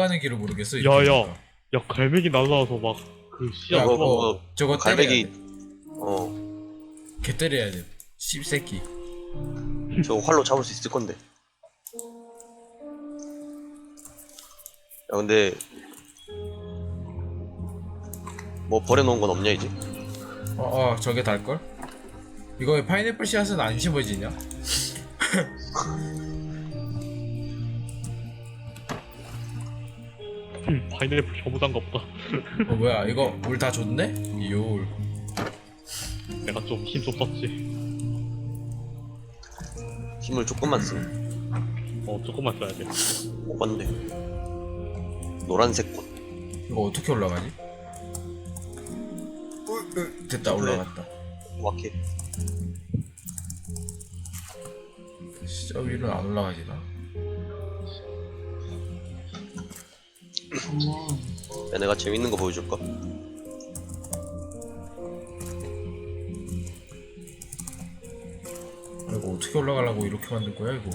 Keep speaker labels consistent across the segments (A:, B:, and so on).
A: 올라가는 길을 모르겠어. 이렇게
B: 야야
A: 보니까.
B: 야 갈매기 날라와서 막 그 씨앗
A: 야,
B: 뭐
A: 저거
C: 갈매기
A: 때려야 돼.
C: 어
A: 개 때려야 돼. 씹새끼.
C: 저 활로 잡을 수 있을 건데. 야 근데 뭐 버려놓은 건 없냐 이제?
A: 저게 달걸? 이거 왜 파인애플 씨앗은 안 심어지냐?
B: 파인애플 혐오장가 보다.
A: 뭐야, 이거 물 다 줬네? 이올.
B: 내가 좀 힘 좀 썼지.
C: 힘을 조금만 쓰면
B: 조금만 써야 돼.
C: 못 봤는데. 노란색 꽃.
A: 이거 어떻게 올라가지? 됐다, 올라갔다.
C: 정확해.
A: 진짜 위로 안 올라가지, 나.
C: 야 내가 재밌는 거 보여줄까?
A: 이거 어떻게 올라가려고 이렇게 만들 거야, 이거?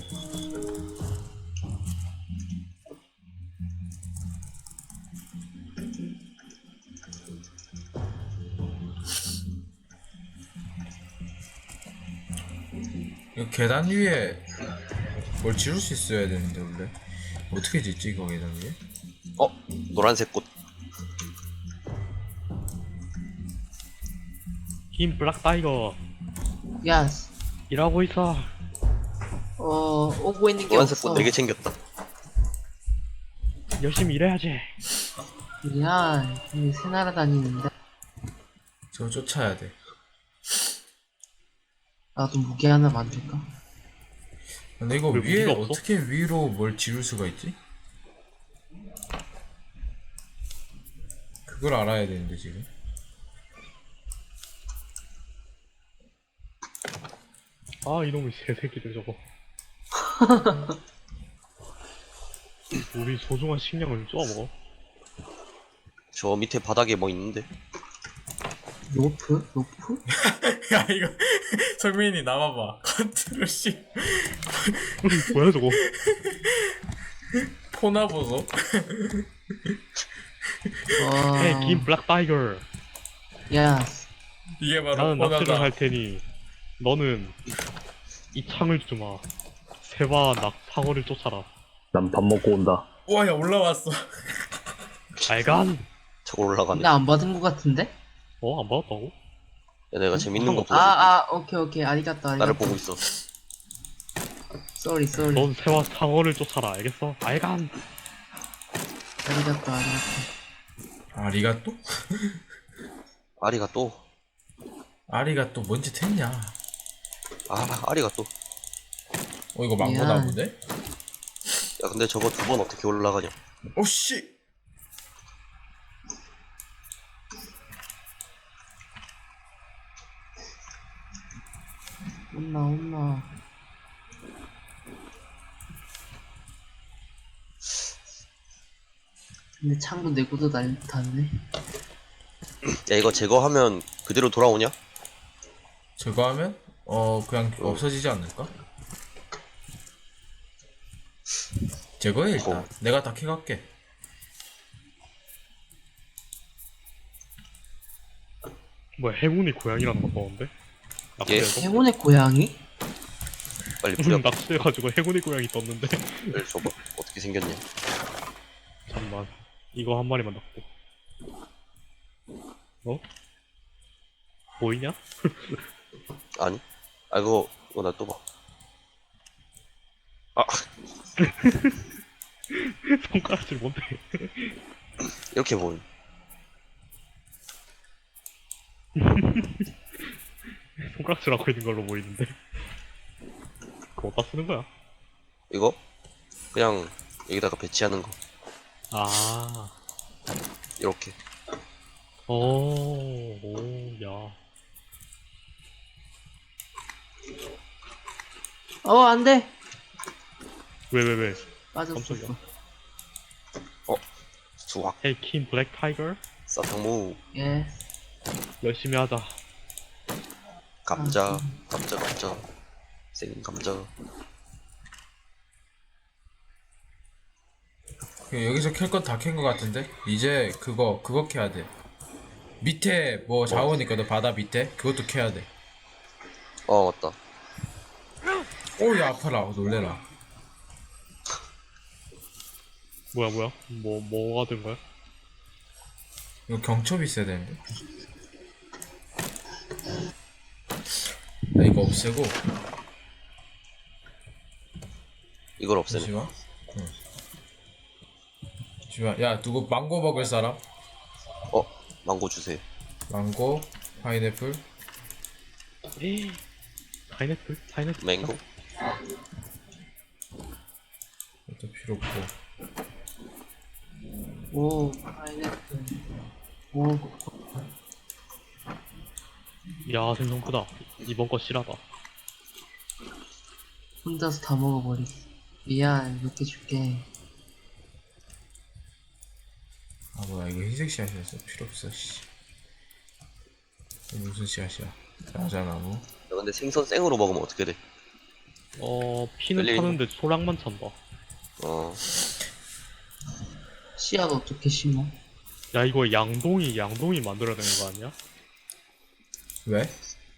A: 이거 계단 위에 뭘 지을 수 있어야 되는데, 원래. 어떻게 짓지, 이거 계단 위에?
C: 노란색 꽃.
B: 흰 블랙 타이거
D: 야스.
B: 일하고 있어.
D: 오고 있는 게
C: 노란색
D: 없어.
C: 꽃 4개 챙겼다.
B: 열심히 일해야지.
D: 야, 근데 새 나라 다니는데
A: 저거 쫓아야 돼.
D: 나도 무기 하나 만들까?
A: 근데 이거
B: 왜
A: 위에
B: 무기가 없어?
A: 어떻게 위로 뭘 지을 수가 있지? 그걸 알아야 되는데 지금.
B: 아 이놈의 새새끼들 저거. 우리 소중한 식량을 쪼아먹어.
C: 저 밑에 바닥에 뭐 있는데?
D: 로프? 로프?
A: 야 이거 성민이 나와봐. 컨트롤 C
B: 뭐야 저거.
A: 포나 보소.
D: 와.
B: 헤이 긴 블랙 타이거.
D: 야스.
A: 이게 바로
B: 나는 낚시를
A: 포나다.
B: 할 테니 너는 이 창을 주마. 새와 상어를 쫓아라.
E: 난 밥 먹고 온다.
A: 와야 올라왔어.
B: 알간.
C: 저거 올라가네.
D: 나 안 받은 거 같은데?
B: 안 받았다고?
C: 야 내가 재밌는 거 보여줄게.
D: 오케이. 아리가또.
C: 나를 보고 있어.
D: 쏘리.
B: 넌 새와 상어를 쫓아라. 알겠어? 알간.
D: 아리가또.
A: 아리가 또?
C: 아리가 또.
A: 아리가 또 뭔 짓 했냐?
C: 아리가 또.
A: 이거 망고나
D: 미안.
A: 보네?
C: 야 근데 저거 2번 어떻게 올라가냐?
A: 오씨.
D: 온나. 근데 창도 내고도 닿네.
C: 야 이거 제거하면 그대로 돌아오냐?
A: 저거 하면 그냥 없어지지 않을까? 제거해 일단. 내가 다 캐갈게.
B: 뭐야 행운이 고양이라는 거 나오는데?
C: 예.
B: 낚시해서?
D: 행운의 고양이?
C: 빨리 부려.
B: 낚시해가지고 행운이 고양이 떴는데.
C: 빨리 줘봐. 어떻게 생겼냐?
B: 잠만 이거 한 마리만 낚고. 보이냐?
C: 아니? 이거 나 또 봐.
B: 손가락질 뭔데?
C: 이렇게 보임.
B: 손가락질 하고 있는 걸로 보이는데. 그거 어디다 쓰는 거야?
C: 이거 그냥 여기다가 배치하는 거. 이렇게.
B: 야.
D: 안돼.
B: 왜?
D: 빠졌어.
B: 깜짝이야.
C: 수확.
B: 헤이 킨 블랙 타이거?
C: 사탕무.
D: 예.
B: 열심히 하자.
C: 감자. 생 감자.
A: 여기서 캘 건 다 캔 거 같은데? 이제 그거 캐야 돼. 밑에 뭐 자원 있거든, 바다 밑에? 그것도 캐야 돼.
C: 맞다.
A: 오야 아파라, 놀래라.
B: 뭐야? 뭐가 된 거야?
A: 이거 경첩이 있어야 되는데. 나 이거 없애고.
C: 이걸 없애네.
A: 잠시만. 응. 잠시만. 야, 누구 망고 먹을 사람?
C: 망고 주세요.
A: 망고, 파인애플.
B: 에이, 파인애플?
C: 맹고?
A: 이것도 필요 없고.
D: 오, 파인애플. 오,
B: 야, 생선 크다. 이번 거 실하다.
D: 혼자서 다 먹어버리지. 미안, 몇 개 줄게.
A: 아 뭐야, 이거 흰색 씨앗이었어. 필요 없어. 씨. 이거 무슨 씨앗이야? 자자나무.
C: 야, 근데 생선 생으로 먹으면 어떻게 돼?
B: 피는
C: 열려
B: 타는데 소량만 찬다.
D: 씨앗 어떻게 심어?
B: 야, 이거 양동이 만들어야 되는 거 아니야?
A: 왜?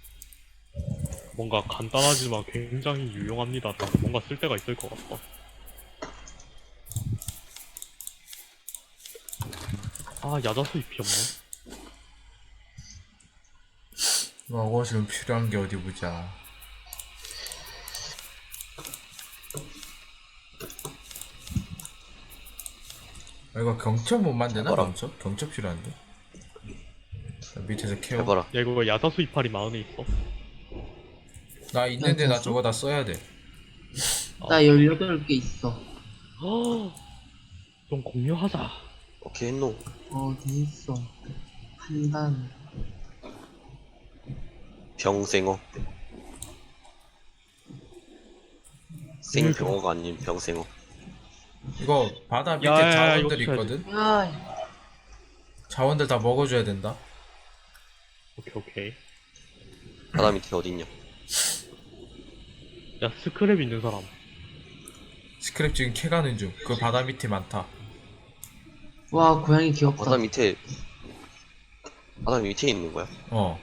B: 뭔가 간단하지만 굉장히 유용합니다. 뭔가 쓸데가 있을 것 같다. 아, 야자수 잎이 없네.
A: 먹어 지금 필요한 게 어디 보자. 아, 이거 경첩 못 만드나?
C: 해봐라.
A: 경첩 필요한데. 자, 밑에서 캐오.
C: 해봐라.
B: 야, 이거 야자수 이파리 마흔에 있어.
A: 나 있는데 나
D: 됐어?
A: 저거 다 써야 돼.
D: 나 18개 있어.
B: 좀 공유하자.
C: 오케이 했노.
D: 어디 있어? 판단.
C: 병생어. 생병어가 아닌 병생어.
A: 이거 바다 밑에
B: 야, 야, 야,
A: 자원들
B: 이거
A: 있거든?
D: 야,
A: 자원들 다 먹어줘야 된다.
B: 오케이.
C: 바다 밑에 어디 있냐?
B: 야, 스크랩 있는 사람.
A: 스크랩 지금 캐가는 중. 그 바다 밑에 많다.
D: 와, 고양이 귀엽다.
C: 바다 밑에 있는 거야?
A: 어.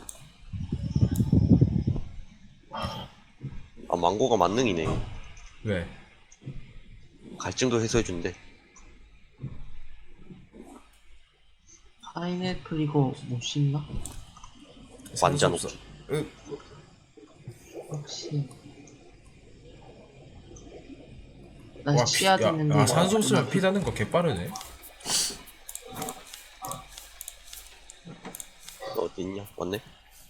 C: 아, 망고가 만능이네.
A: 왜?
C: 갈증도 해소해준대.
D: 파인애플 이거 못 심나?
C: 완전
A: 없어.
C: 없어.
D: 혹시. 나
A: 와,
D: 씨앗
A: 야,
D: 있는데.
A: 아, 산소 없으면
D: 나
A: 피 닿는 거 개빠르네.
C: 너 어디 있냐? 왔네?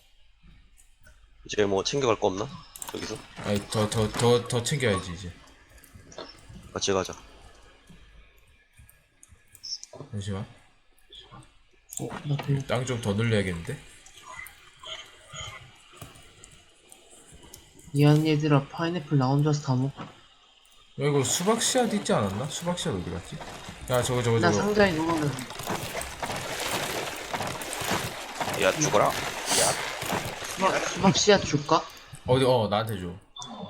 C: 이제 뭐 챙겨갈 거 없나? 여기서?
A: 아니, 더 챙겨야지, 이제.
C: 같이 가자.
A: 잠시만.
D: 나 배고.
A: 땅 좀 더 늘려야겠는데?
D: 미안 얘들아, 파인애플 나 혼자서 다 먹어.
A: 야, 이거 수박 씨앗 있지 않았나? 수박 씨앗 어디 갔지? 야, 저거.
D: 나 상자에 넣으면
C: 야, 죽어라.
D: 수박 씨앗 줄까?
A: 어디, 나한테 줘.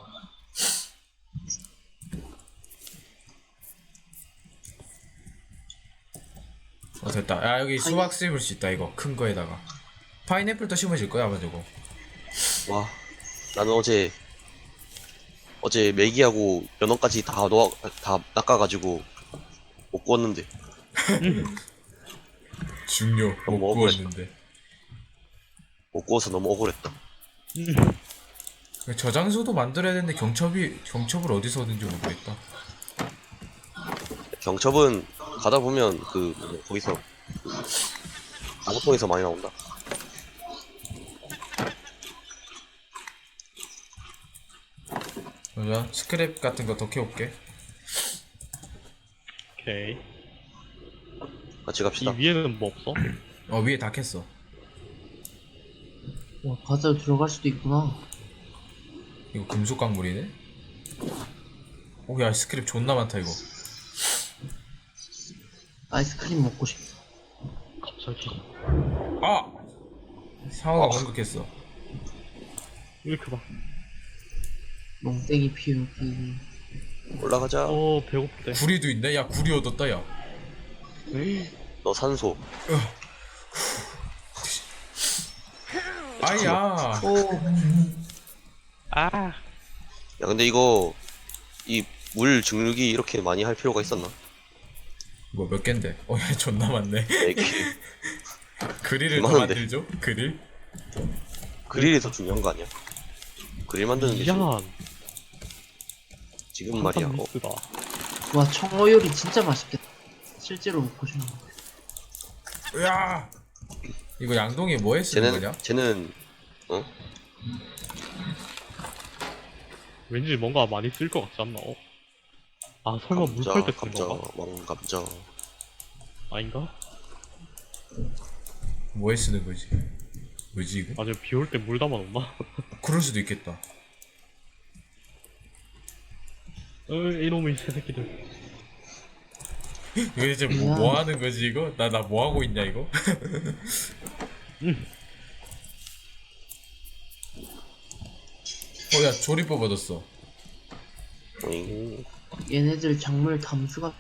A: 됐다. 야, 여기 수박 심을 수 있다, 이거. 큰 거에다가. 파인애플도 심어질 거야, 아마 저거.
C: 와, 나는 어제 메기하고 연어까지 다 낚아가지고 못 구웠는데.
A: 중요. 못
C: 너무
A: 구웠는데.
C: 못 구워서 너무 억울했다.
A: 저장소도 만들어야 되는데 경첩을 어디서 얻는지 모르겠다.
C: 경첩은 가다 보면 거기서 나무통에서 많이 나온다.
A: 맞아. 스크랩 같은 거 더 캐올게.
B: 오케이.
C: 같이
B: 이
C: 갑시다.
B: 위에는 뭐 없어?
A: 위에 다 캤어.
D: 와, 바다로 들어갈 수도 있구나.
A: 이거 금속 광물이네? 오, 야, 스크랩 존나 많다, 이거.
D: 아이스크림 먹고 싶어.
B: 갑자기.
A: 아! 상어가 공격했어.
B: 이렇게 봐.
D: 멍땡이 피우기.
C: 올라가자.
B: 배고프대.
A: 구리도 있네. 야 구리 얻었다 야.
C: 너 산소.
A: 아야.
D: 오,
B: 아,
C: 야 근데 이거 이 물 증류기 이렇게 많이 할 필요가 있었나?
A: 뭐 몇 갠데? 야 존나 많네.
C: 4개.
A: 그릴을 더
C: 많은데.
A: 만들죠? 그릴?
C: 그릴이 더 중요한 거 아니야? 그릴 만드는 게
B: 미안.
C: 지금 말이야.
B: 한판 미스다.
D: 와, 청어 요리 진짜 맛있겠다. 실제로 먹고 싶네.
A: 야. 이거 양동이 뭐에 쓰는 거냐?
C: 쟤는
B: 왠지 뭔가 많이 쓸 것 같지 않나? 아, 설마 물 팔 때 쓰는
C: 감자,
B: 건가?
C: 왕감자.
B: 아닌가?
A: 뭐에 쓰는 거지? 뭐지 이거?
B: 아니면 비 올 때 물 담아 놓나?
A: 그럴 수도 있겠다.
B: 이놈의 새새끼들.
A: 이거 대체 뭐 하는 거지 이거? 나 뭐 하고 있냐 이거? 야 조리법 얻었어.
C: 오잉.
D: 얘네들 작물 담수가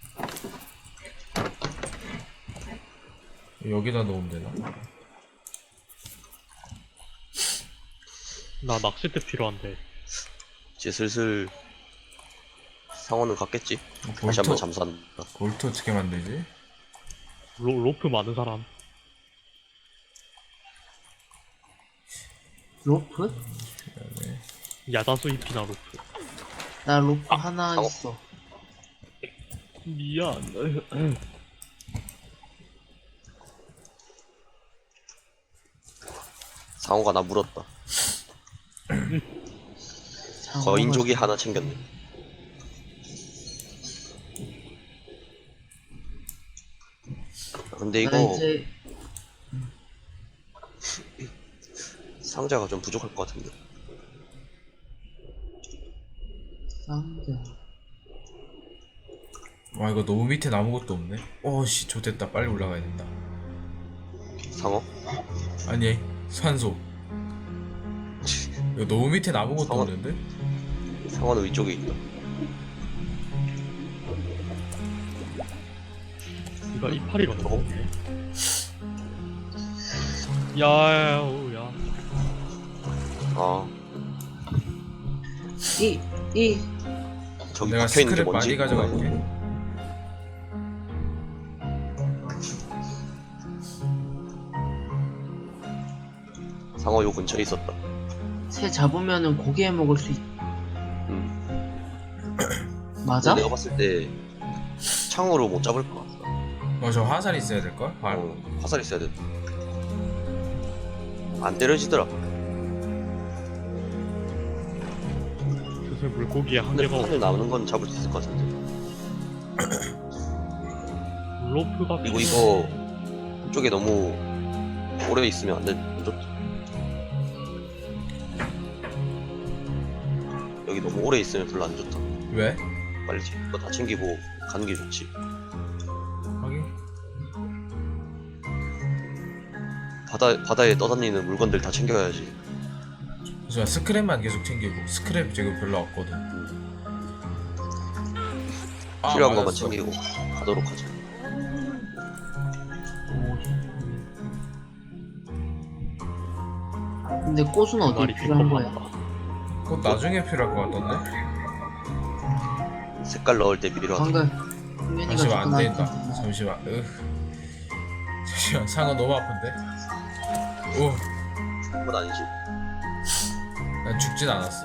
A: 여기다 넣으면 되나?
B: 나 낚싯대 필요한데.
C: 이제 슬슬 상어는 갔겠지? 다시
A: 볼트,
C: 한번 잠수한다.
A: 볼트 어떻게 만들지?
B: 로프 많은 사람.
D: 로프?
B: 야자수 잎이나 로프.
D: 나 로프 하나
C: 상어?
D: 있어.
B: 미안.
C: 상어가 나 물었다.
D: 상어가
C: 거인족이 하나 챙겼네. 근데
D: 나
C: 이거
D: 이제
C: 상자가 좀 부족할 것 같은데.
D: 상자.
A: 와 이거 너무 밑에 아무것도 없네. 씨 좋됐다. 빨리 올라가야 된다.
C: 상어?
A: 아니 산소. 이거 너무 밑에 아무것도
C: 상어?
A: 없는데?
C: 상어는 위쪽에 있다.
B: 이거 이파리가
C: 저거?
B: 너무 야야야.
C: 아,
D: 이
C: 저기
A: 내가
C: 박혀있는 게
A: 스크랩
C: 뭔지?
A: 많이 가져갈게.
C: 상어 요 근처에 있었다.
D: 새 잡으면은 고기 해 먹을 수 있. 맞아?
C: 내가 봤을 때 창으로 못 잡을 것 같다.
A: 저 화살 있어야 될걸?
C: 화살 있어야 돼. 안 때려지더라.
B: 슬슬 물고기에
C: 근데
B: 한계가
C: 판을 남는 건 잡을 수 있을 것 같은데.
B: 로프가
C: 그리고 이거 이쪽에 너무 오래 있으면 안 좋다. 여기 너무 오래 있으면 별로 안 좋다.
A: 왜?
C: 빨리 이거 다 챙기고 가는 게 좋지.
A: 확인.
C: 바다에 떠다니는 물건들 다 챙겨야지.
A: 그래서 스크랩만 계속 챙기고 스크랩 지금 별로 없거든.
C: 필요한 것만
A: 맞았어.
C: 챙기고 가도록 하자.
D: 근데 꽃은 어디
B: 말이
D: 필요한 거야?
B: 빈번하다.
A: 그거 나중에 필요할 것 같던데?
C: 색깔 넣을 때 필요하다.
D: 방금 흥민이가
A: 잠시만 안
D: 접근할
A: 된다.
D: 텐데.
A: 잠시만. 잠시만 상어 너무 아픈데?
C: 그건 아니지.
A: 난 죽진 않았어.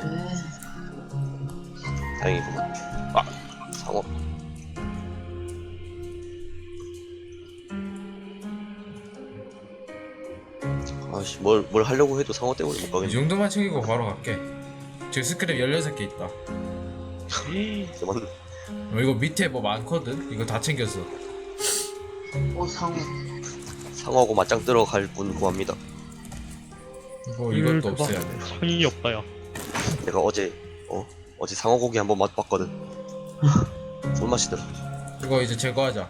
C: 다행이구만. 아, 상어. 아씨, 뭘 하려고 해도 상어 때문에 못
A: 이
C: 가겠네.
A: 정도만 챙기고 바로 갈게. 지금 스크랩 16개 있다.
C: 그만.
A: 이거 밑에 뭐 많거든? 이거 다 챙겼어.
D: 상어.
C: 상어하고 맞짱 뜨러 갈 분 구합니다.
A: 이것도 없애야 돼.
B: 창이 없다 야.
C: 내가 어제 상어 고기 한번 맛봤거든. 손맛이더라.
A: 이거 이제 제거하자.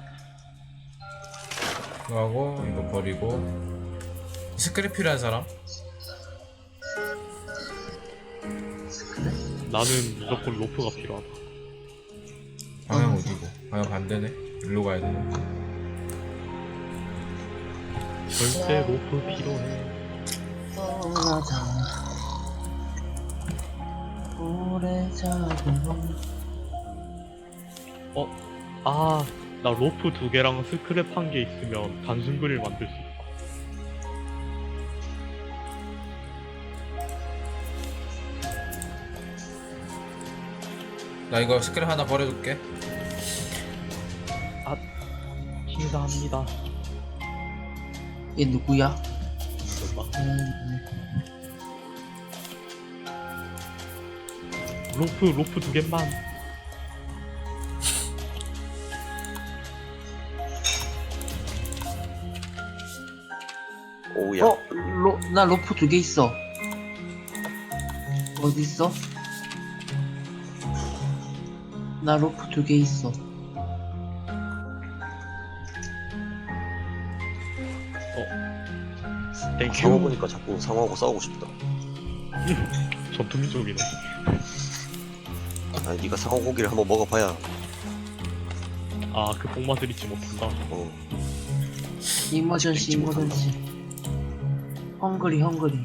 A: 이거 하고 이거 버리고. 스크랩 필요한 사람?
B: 나 나는 무조건 로프가 필요하다.
A: 방향 어디고? 방향 반대네. 일로 가야 되네.
B: 절대 로프 필요해.
D: 떠나자 오래 자고
B: 아, 나 로프 2개랑 스크랩 1개 있으면 단순 그릴 만들 수 있어.
A: 나 이거 스크랩 하나 버려줄게.
B: 감사합니다.
D: 얘 누구야?
B: 설마.
D: 음,
B: 로프 2개만.
C: 오우야.
D: 나 로프 2개 있어. 어디 있어? 나 로프 2개 있어.
B: 땡큐.
C: 상어 보니까 자꾸 상어하고 싸우고 싶다.
B: 전투민족이네.
C: 아니 네가 상어 고기를 한번 먹어봐야.
B: 아, 그 복맛을 잊지 못한다.
C: 어.
D: 이머전시 이머전시. 헝그리 헝그리.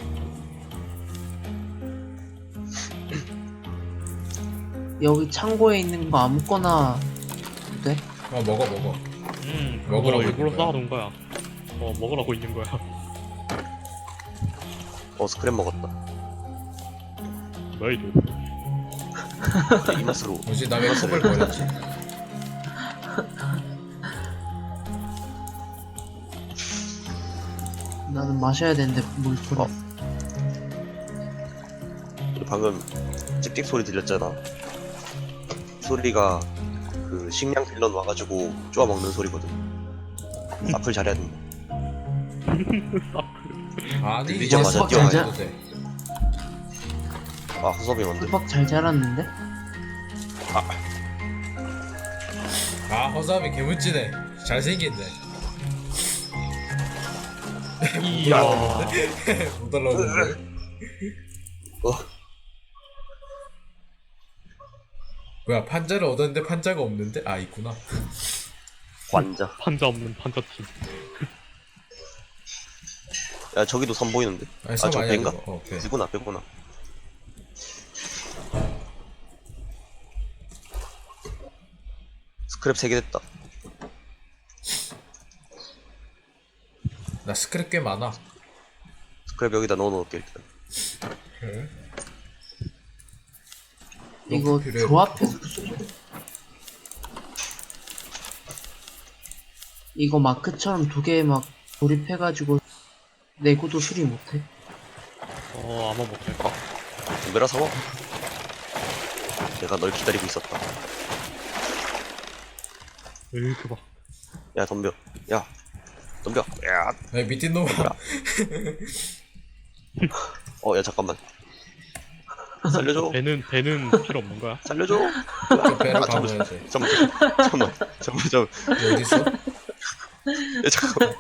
D: 여기 창고에 있는 거 아무거나 돼?
A: 먹어.
B: 그거
A: 먹으라고
B: 일부러
A: 있는 거야.
B: 쌓아놓은 거야. 먹으라고 있는 거야.
C: 스크랩 먹었다.
B: 뭐야, 이거.
C: 이 맛으로.
A: 뭐지? 나 왜 컵을 버렸지?
D: 나는 마셔야 되는데 물 뿌려.
C: 방금 찍찍 소리 들렸잖아. 소리가 그 식량 빌런 와가지고 쪼아 먹는 소리거든. 앞을 잘해야 된다.
A: 아니
C: 들리자마자
A: 이거
D: 뛰어가야
A: 안 해도 돼.
C: 아 허섭이 만들.
D: 수박 잘 자랐는데?
A: 아 허수아비 개무찌네. 잘생긴데.
B: 이야.
A: 못 올라오는데. 뭐야 판자를 얻었는데 판자가 없는데? 아 있구나.
C: 관자.
B: 판자 없는 판자팀.
C: 야 저기도 선 보이는데.
A: 아니
C: 저
A: 섬 아니야
C: 배인가?
A: 이거. 배.
C: 배구나 배구나. 스크랩 3개 됐다.
A: 나 스크랩 꽤 많아.
C: 스크랩 여기다 넣어놓을게 일단.
A: 그래?
D: 이거
A: 필요해.
D: 조합해서 이거 마크처럼 2개 막 조립해가지고 내고도 수리 못해?
B: 아마 못할 거.
C: 덤벼라 상어. 내가 널 기다리고 있었다.
B: 으그 봐.
C: 야 덤벼. 야 덤벼. 야.
A: 아니 미친 놈아.
C: 야 잠깐만. 살려줘.
B: 배는 필요 없는 거야.
C: 살려줘.
A: 저 배를
C: 아, 잠깐만.
A: 가봐야 돼.
C: 잠깐만.
A: 너 어디 있어?
C: 야 잠깐만.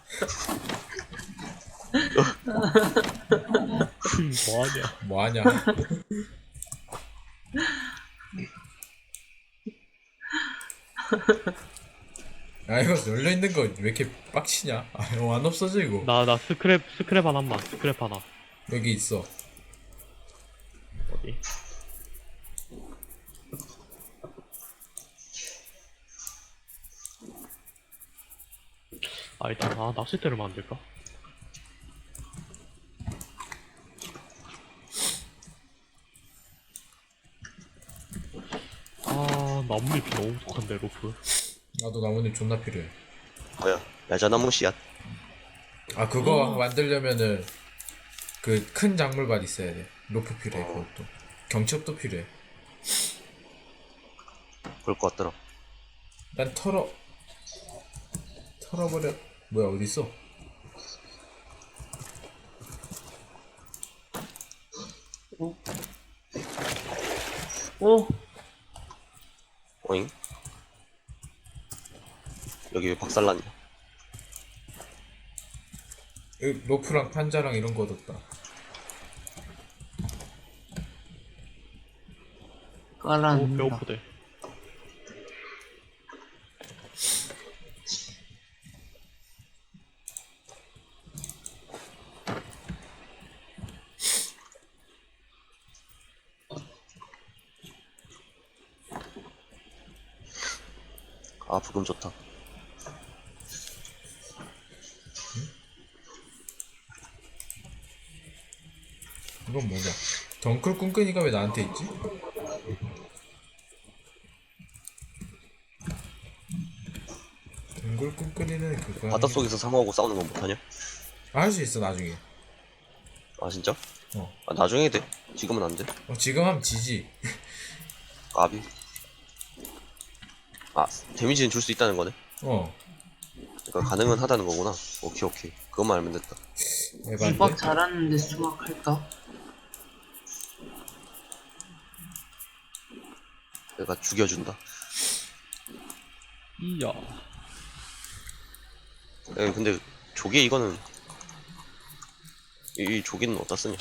B: 뭐하냐.
A: 뭐하냐? 아 이거 열려 있는 거 왜 이렇게 빡치냐? 아 이거 안 없어져 이거.
B: 나 스크랩 하나만. 스크랩 하나.
A: 여기 있어.
B: 어디? 일단 낚싯대를 만들까? 나뭇잎이 너무 부족한데 로프.
A: 나도 나뭇잎 존나 필요해.
C: 뭐야? 야자나무 씨앗.
A: 아 그거 만들려면은 그 큰 작물밭 있어야 돼. 로프 필요해 그것도. 경첩도 필요해.
C: 그럴 것 같더라.
A: 난 털어버려. 뭐야 어디 있어?
D: 오!
C: 오잉? 여기 왜 박살났냐?
A: 여기 로프랑 판자랑 이런 거 얻었다.
D: 깔아놓는다.
B: 배고프대.
C: 아 부금 좋다.
A: 이건 뭐냐? 덩클 꿍끈이가 왜 나한테 있지? 덩클 꿍끈이는 그거야.
C: 바닷속에서 상어하고 싸우는 건 못하냐?
A: 할 수 있어 나중에.
C: 아 진짜?
A: 어.
C: 아 나중에 돼. 지금은 안 돼.
A: 지금 하면 지지.
C: 까비. 아 데미지는 줄 수 있다는 거네.
A: 어.
C: 그러니까 가능은 하다는 거구나. 오케이 오케이. 그것만 알면 됐다.
A: 에반데?
D: 수박 잘하는데 수박 할까?
C: 내가 죽여준다.
B: 이야.
C: 근데 조개 이거는 이 조개는 어디다 쓰냐?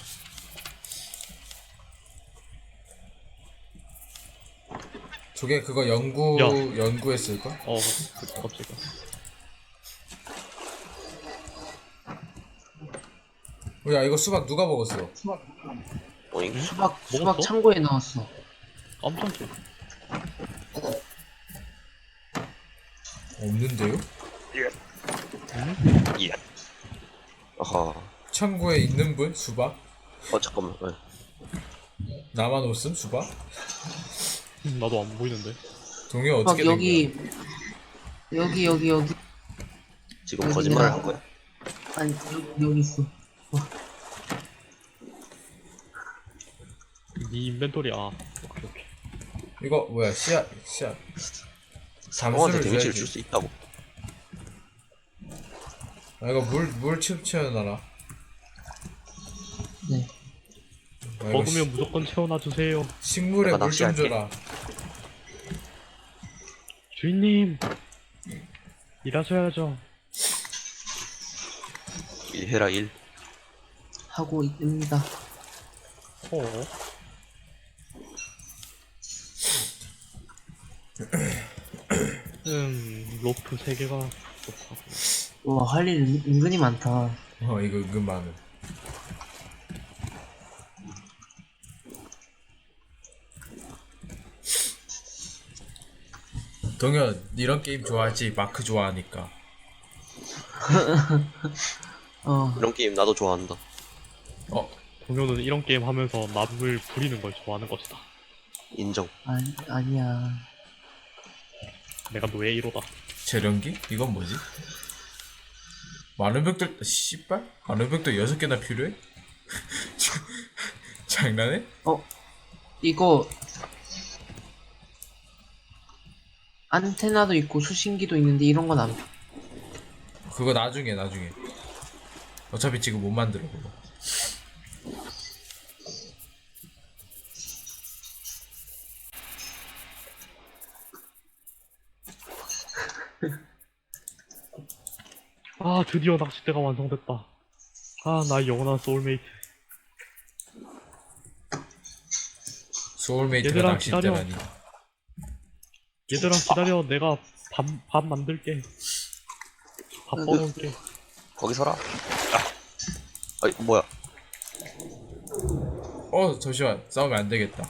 A: 저게 그거
B: 야.
A: 연구했을까?
B: 갑자기.
A: 야 이거 수박 누가 먹었어?
C: 어잉?
D: 수박
B: 먹었어?
D: 창고에 넣었어.
B: 깜짝이야.
A: 없는데요?
C: 예. 아하.
A: 창고에 있는 분? 수박?
C: 잠깐만.
A: 나만 없음 수박?
B: 나도 안 보이는데.
A: 동요
D: 수박
A: 어떻게 된
D: 여기.
C: 지금
D: 여기
C: 거짓말을
D: 내가-
C: 한 거야?
D: 아니 여기 있어.
B: 네 인벤토리 오케이.
A: 거야? 이거 뭐야 씨앗
C: 상어한테
A: 잠수를
C: 데미지를
A: 줘야지.
C: 줄 수 있다고.
A: 아 이거 물 채워놔라.
D: 네.
A: 아, 이거
B: 먹으면 무조건 채워놔 주세요.
A: 식물에
C: 내가
A: 물 좀
C: 낚시할게.
A: 줘라.
B: 주인님 일하셔야죠.
C: 일해라 일.
D: 하고 있습니다.
B: 어. 로프 3개가 좋다고.
D: 와, 할 일 은근히 많다.
A: 이거 은근 많음. 동현 이런 게임 좋아하지? 마크 좋아하니까.
C: 이런 게임 나도 좋아한다.
B: 동료는 이런 게임 하면서 남을 부리는 걸 좋아하는 것이다.
C: 인정.
D: 아니야.
B: 내가 노예 1호다.
A: 재련기? 이건 뭐지? 많은 벽들 씨발? 많은 벽들 6개나 필요해? 장난해?
D: 이거 안테나도 있고 수신기도 있는데 이런 건 안.
A: 그거 나중에 어차피 지금 못 만들어 그거.
B: 아 드디어 낚싯대가 완성됐다. 아 나의 영원한 소울메이트.
A: 소울메이트가
B: 얘들아,
A: 낚싯대라니.
B: 얘들아 기다려. 내가 밥 만들게. 밥 떠놓을게.
C: 거기 서라. 아이 뭐야?
A: 잠시만 싸우면 안 되겠다.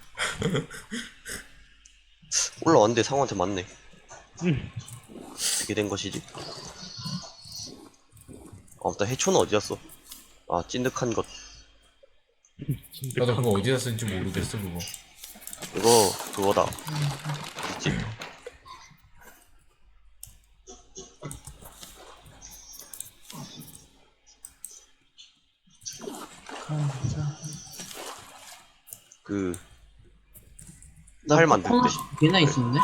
C: 올라왔는데 상어한테 맞네.
B: 응.
C: 어떻게 된 것이지? 일단 해초는 어디 갔어? 아 찐득한 것.
A: 나도 그거 어디다 쓴지 모르겠어 그거.
C: 이거 그거다. 있지? 그
D: 나
C: 팔 만들
D: 코코넛
C: 때.
D: 개나 있었네.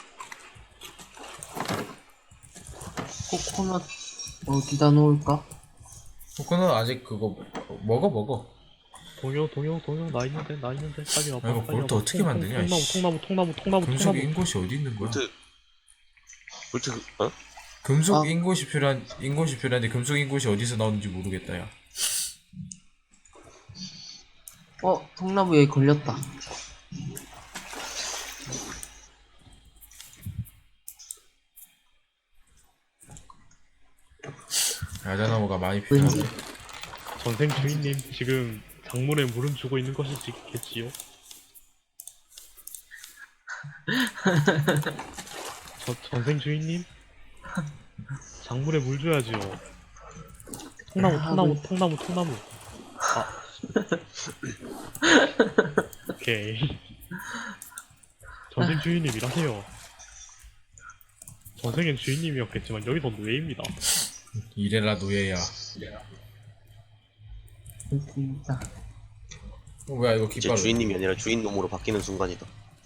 D: 코코넛 어디다 놓을까?
A: 코코넛 아직 그거 먹어.
B: 동요 나 있는데 빨리 와봐.
A: 이거
B: 빨리
A: 볼트
B: 와봐.
A: 어떻게 만드냐, 이씨.
B: 통나무.
A: 금속 인곳이 어디 있는 거야?
C: 볼트 어?
A: 금속
D: 아.
A: 인곳이 필요한데 금속 인곳이 어디서 나오는지 모르겠다 야.
D: 통나무 여기 걸렸다.
A: 뭔가 많이 필요한데.
B: 전생 주인님 지금 작물에 물은 주고 있는 것이겠지요? 전생 주인님? 작물에 물 줘야지요. 통나무. 아. 오케이. 전생 주인님 일하세요. 전생엔 주인님이었겠지만 여기서 노예입니다.
A: 이래라 노예야.
D: 됐습니다.
A: 뭐야 이거
C: 이제
A: 깃발.
C: 주인님이 아니라 주인놈으로 바뀌는 순간이다.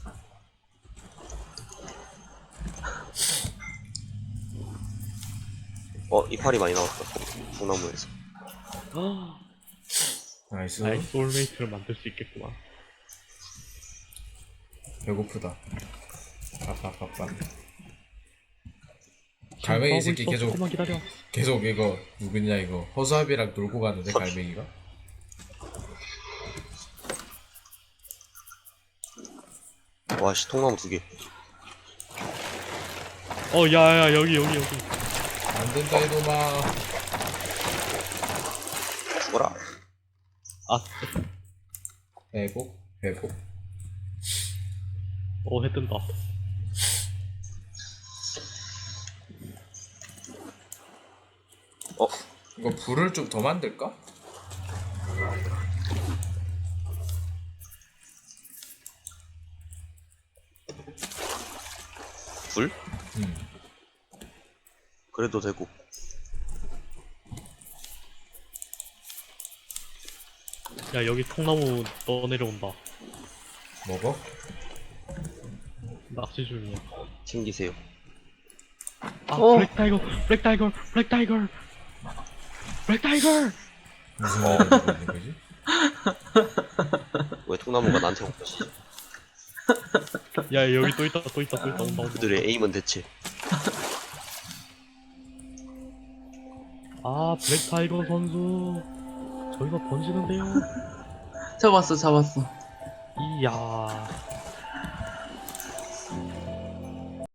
C: 이파리 많이 나왔다. 소나무에서.
A: 나이스.
B: 나의 소울메이트를 만들 수 있겠구만.
A: 배고프다. 빠빠빠빠. 갈매기 이 새끼 계속
B: 조금만 기다려.
A: 계속 이거 누구냐 이거 허수아비랑 놀고 가는데 갈매기가.
C: 와씨 통나무 2개.
B: 야야 여기.
A: 안 된다 이놈아.
C: 죽어라.
A: 회복.
B: 해 뜬다.
A: 이거 불을 좀 더 만들까?
C: 불?
A: 음.
C: 그래도 되고.
B: 야 여기 통나무 떠내려온다.
A: 먹어?
B: 낚시 중이야.
C: 챙기세요.
B: 블랙타이거.
A: 무슨 말을 하고 있는 거지?
C: 왜 통나무가 나한테 온 거지?
B: 야 여기 또 있다 온다.
C: 그들의 에임은 대체.
B: 블랙타이거 선수 저기서 던지는데요.
D: 잡았어.
B: 이야